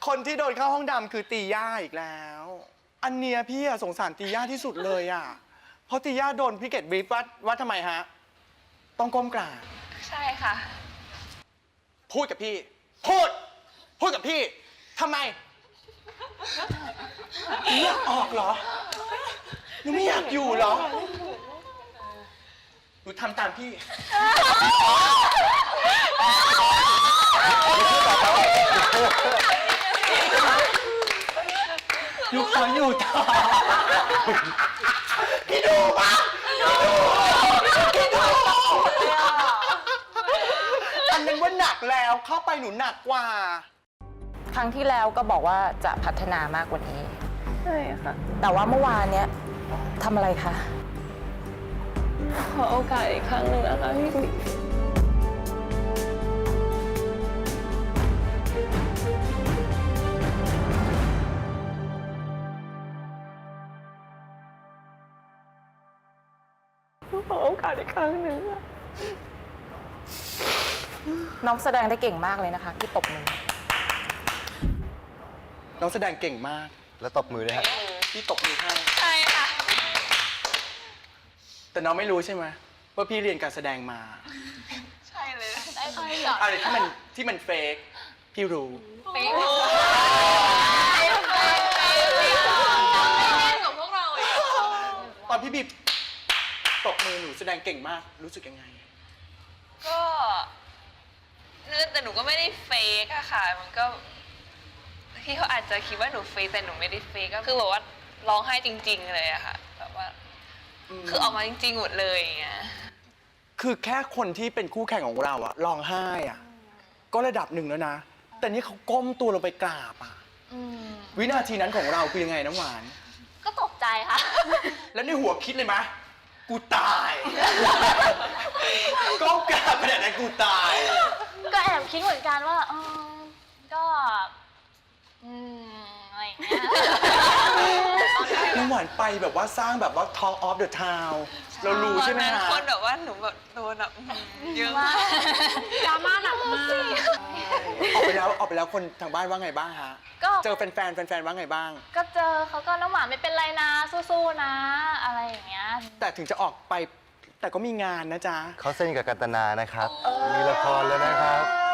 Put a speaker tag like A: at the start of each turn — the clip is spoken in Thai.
A: คนที่โดนเข้าห้องดำคือตีย่าอีกแล้ว อันเนี้ยพี่อะสงสารตีย่าที่สุดเลยอะเพราะตีย่าโดนพี่เกดบรีฟว่าทำไมฮะ ต้องก้มกราบ
B: ใช่ค่ะ
A: พูดกับพี่ พูดกับพี่ทำไมเลือกออกเหรอหนูไม่อยากอยู่เหรอหนูทำตามพี่หนูขออยู่ต่อพี่ดูปะพี่ดูอันนั้นว่าหนักแล้วเข้าไปหนูหนักกว่า
C: ครั้งที่แล้วก็บอกว่าจะพัฒนามากกว่านี้
B: ใช่ค่ะ
C: แต่ว่าเมื่อวานเนี้ยทำอะไรคะ
B: ขอโอกาสอีกครั้งหนึ่งนะคะพี่บิ๊กขอโอกาสอีกครั้งหนึ่ง
C: น้องแสดงได้เก่งมากเลยนะคะที่ตบมือ
A: น้องแสดงเก่งมาก
D: แล้วตบมือด้วยฮะ
A: พี่ตบมือให้
B: ใช่ค่ะ
A: แต่น้องไม่รู้ใช่ไหมว่าพี่เรียนการแสดงมา
B: ใช่เลยใช่เหรอ
A: อะไรที่มันเฟกพี่รู้
B: ไม่เล่นกับพวกเราอีก
A: ตอนพี่บีตบมือหนูแสดงเก่งมากรู้สึกยังไง
B: ก็แต่หนูก็ไม่ได้เฟกอะค่ะ มันก็พี่เขาอาจจะคิดว่าหนูเฟกแต่หนูไม่ได้เฟกก็คือแบบว่าร้องไห้จริง ๆ เลยอะค่ะแบบว่าคือออกมาจริง ๆ หมดเลยอย่างเงี้ย
A: คือแค่คนที่เป็นคู่แข่งของเราอะร้องไห้อะก็ระดับหนึ่งแล้วนะ แต่นี่เขาก้มตัวลงไปกราบอะวินาทีนั้นของเราคือยังไงน้ำหวาน
E: ก็ตกใจค่ะ
A: แล้วในหัวคิดเลยไหมกูตายก้มกราบขนาดนั้นกูตาย
E: ก็แอบคิดเหมือนกันว่าก็อะไรอย่างเงี้ย
A: น้ำหวานไปแบบว่าสร้างแบบว่า Talk of the Town เรารู้ใช่ไหม
B: ตอนนั้น
A: ฮะ
B: คนแบบว่าหนูแบบโดนแบบเยอะมาก
E: ดราม่าหนักมาก
A: ออกไปแล้วคนทางบ้านว่าไงบ้างฮะ
E: ก็
A: เจอแฟนๆว่าไงบ้าง
E: ก็เจอเขาก็น้ำหวานไม่เป็นไรนะสู้ๆนะ อะไรอย่างเงี้ย
A: แต่ถึงจะออกไปแต่ก็มีงานนะจ๊ะ
D: เขาเส้นกับกันตนานะครับ มีละครแล้วนะครับ